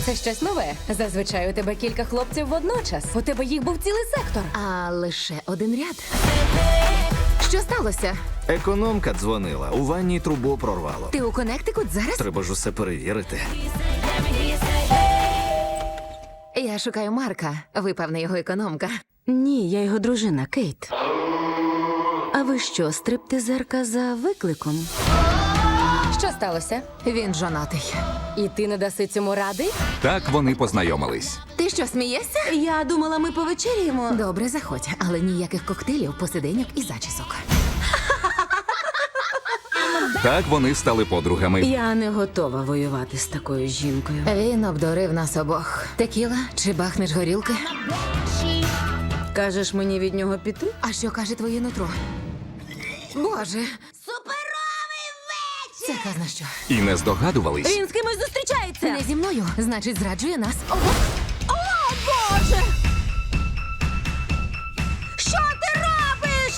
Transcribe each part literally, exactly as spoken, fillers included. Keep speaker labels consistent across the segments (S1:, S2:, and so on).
S1: Це щось нове. Зазвичай у тебе кілька хлопців водночас. У тебе їх був цілий сектор.
S2: А лише один ряд. Що сталося?
S3: Економка дзвонила, у ванні трубу прорвало.
S2: Ти у Коннектикут зараз?
S3: Треба ж усе перевірити.
S2: Я шукаю Марка. Ви, певне, його економка.
S4: Ні, я його дружина, Кейт. А ви що, стриптизерка за викликом?
S1: Що сталося?
S2: Він жонатий.
S1: І ти не даси цьому ради?
S5: Так вони познайомились.
S2: Ти що, смієшся?
S4: Я думала, ми повечеряємо.
S2: Добре, заходь, але ніяких коктейлів, посиденьок і зачісок.
S5: Так вони стали подругами.
S4: Я не готова воювати з такою жінкою.
S2: Він обдурив нас обох. Текіла чи бахнеш горілки?
S4: Кажеш мені від нього піти?
S2: А що каже твоє нутро? Боже! Суперовий вечір! Це казна що?
S5: І не здогадувались,
S4: Він з кимось зустрічається!
S2: Не зі мною, значить, зраджує нас. О,
S4: Боже! Що ти робиш?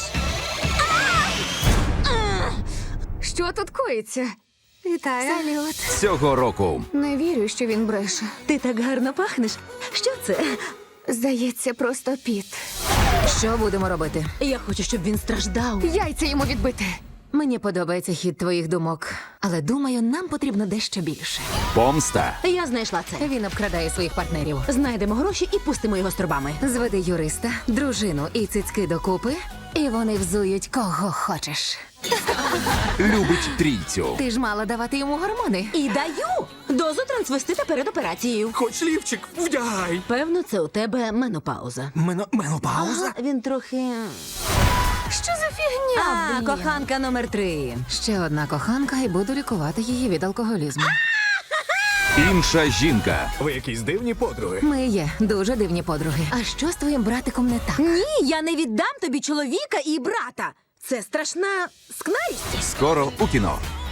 S2: що тут коїться? Вітаю. Салют.
S5: цього року
S2: Не вірю, що він бреше.
S4: Ти так гарно пахнеш. Що це?
S2: Здається, просто піт. Що будемо робити?
S4: Я хочу, щоб він страждав.
S2: Яйця йому відбити. Мені подобається хід твоїх думок, але думаю, нам потрібно дещо більше.
S5: помста.
S4: Я знайшла це.
S2: Він обкрадає своїх партнерів.
S4: Знайдемо гроші і пустимо його з трубами.
S2: Зведи юриста, дружину і цицьки докупи, і вони взують кого хочеш.
S5: Любить трійцю.
S2: Ти ж мала давати йому гормони.
S4: І даю дозу трансвестита перед операцією.
S3: Хоч лівчик, вдягай!
S4: Певно, це у тебе менопауза.
S3: Мено... Менопауза?
S4: Ага, він трохи.
S2: Що за фігня?
S4: А, коханка номер три.
S2: Ще одна коханка, і буду лікувати її від алкоголізму.
S5: Інша жінка.
S3: Ви якісь дивні подруги.
S2: Ми є дуже дивні подруги. А що з твоїм братиком не так?
S4: Ні, я не віддам тобі чоловіка і брата. Це страшна скнарість.
S5: Скоро у кіно.